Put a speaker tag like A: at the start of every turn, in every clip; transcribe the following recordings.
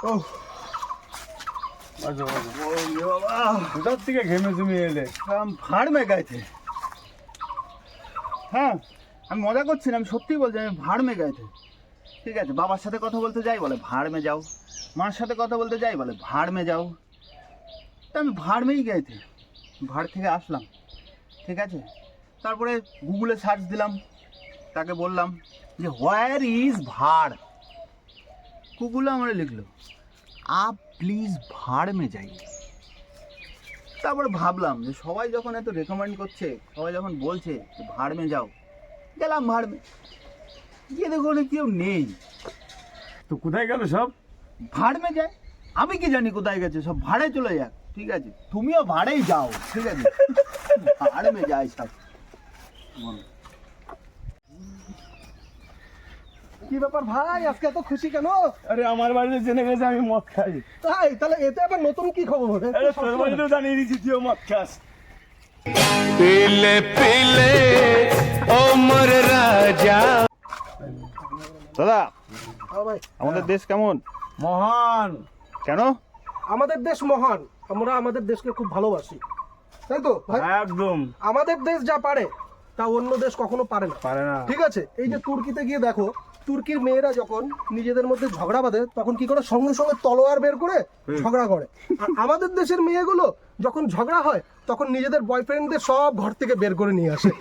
A: কোথার থেকে ঘেমে জুমে এলে?
B: ভাড় মে গয়ে থে। হ্যাঁ, আমি মজা করছি না, আমি সত্যিই বলছি, আমি ভাড় মে গয়ে থে। ঠিক আছে, বাবার সাথে কথা বলতে যাই বলে ভাড় মে যাও, মার সাথে কথা বলতে যাই বলে ভাড় মে যাও। তা আমি ভাড় মেই গয়ে থে, ভাড় থেকে আসলাম। ঠিক আছে, তারপরে গুগলে সার্চ দিলাম, তাকে বললাম যে হোয়ার ইজ ভাড়। গুগলে আমার লিখলো আপ প্লিজ ভাড় মে যাই। তারপরে ভাবলাম যে সবাই যখন এত রেকমেন্ড করছে, সবাই যখন বলছে যে ভাড় মে যাও, গেলাম ভাড় মে। গিয়ে দেখো কেউ নেই।
A: তো কোথায় গেল সব?
B: ভাড় মে যায়, আমি কি জানি কোথায় গেছে, সব ভাড়ে চলে যাক। ঠিক আছে, তুমিও ভাড়েই যাও। ঠিক আছে, ভাড় মে যায় সব।
C: কি ব্যাপার ভাই, আজকে এত খুশি কেন?
A: আরে আমার বাড়িতে জেনে গেছে আমি মদ খাই।
C: তাই? তাহলে এতে আবার নতুন কি খবর?
A: আরে তোর বাড়িতেও জানিয়ে দিচ্ছি তুইও মদ খাস।
D: পিলে পিলে ও মোর রাজা।
B: দাদা,
C: হ্যাঁ ভাই,
B: আমাদের দেশ কেমন?
A: মহান।
B: কেন?
C: আমাদের দেশ মহান, আমরা আমাদের দেশকে খুব ভালোবাসি, তাই তো ভাই?
A: একদম
C: আমাদের দেশ যা পারে তা অন্য দেশ কখনো পারে না।
A: পারে না।
C: ঠিক আছে, এই যে তুর্কিতে গিয়ে দেখো, তুর্কির মেয়েরা যখন নিজেদের মধ্যে ঝগড়া বাঁধে তখন কি করে, সঙ্গে সঙ্গে তলোয়ার বের করে ঝগড়া করে। আর আমাদের দেশের মেয়েগুলো যখন ঝগড়া হয় তখন নিজেদের বয়ফ্রেন্ডদের সব ঘর থেকে বের করে নিয়ে আসে।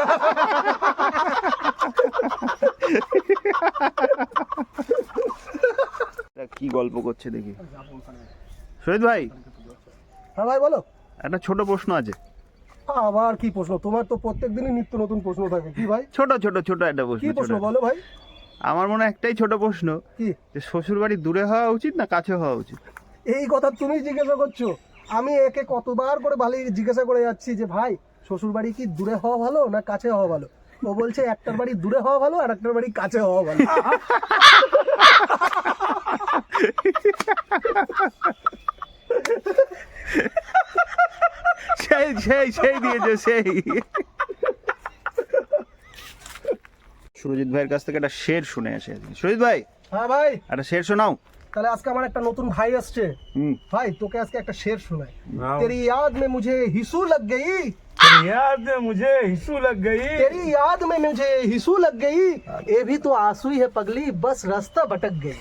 B: কি গল্প করছে দেখি। শহীদ ভাই,
C: হ্যাঁ ভাই বলো।
B: একটা ছোট প্রশ্ন আছে।
C: আবার কি প্রশ্ন? তোমার তো প্রত্যেক দিনই নিত্য নতুন প্রশ্ন থাকে। কি ভাই?
B: ছোট ছোট ছোট একটা প্রশ্ন।
C: কি প্রশ্ন
B: ছোট।
C: বলো ভাই।
B: আমার মনে হয় একটাই ছোট প্রশ্ন,
C: কি?
B: যে শ্বশুর বাড়ি দূরে হওয়া উচিত না কাছে হওয়া উচিত?
C: এই কথা তুমি জিজ্ঞাসা করছো? আমি একে কতবার করে ভালো জিজ্ঞাসা করে যাচ্ছি যে ভাই শ্বশুর বাড়ি কি দূরে হওয়া ভালো না কাছে হওয়া ভালো? ও বলছে একটার বাড়ি দূরে হওয়া ভালো আর একটার বাড়ি কাছে হওয়া ভালো।
B: সেই সেই সেই দিয়েছে সেই। সুরজিৎ ভাইয়ের কাছ থেকে একটা শের শুনে আসে। সুরজিৎ ভাই,
C: হ্যাঁ ভাই,
B: একটা শের শোনাও।
C: তাহলে আজকে আমার একটা নতুন ভাই আসছে। ভাই তোকে আজকে একটা শের শোনাই।
A: নাও।
C: তেরি याद में मुझे हिसू लग गई,
A: याद में मुझे हिस्सू लग गई।
C: तेरी याद में मुझे हिसू लग गई, ये भी तो आंसू ही है पगली, बस रास्ता भटक गई।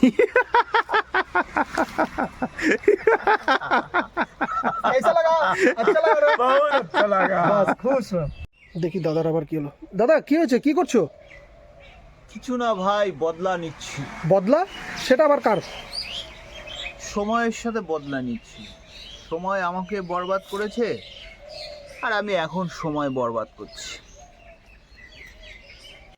C: कैसा लगा? अच्छा लगा ना?
A: बहुत अच्छा लगा।
C: বাস খুশ। দেখি দাদার আবার কি হলো। দাদা কি হয়েছে, কি করছো?
B: কিছু না ভাই, বদলা নিচ্ছি।
C: বদলা? সেটা আবার কার?
B: সময়ের সাথে বদলা নিচ্ছি। সময় আমাকে বরবাদ করেছে আর আমি এখন সময় বরবাদ করছি।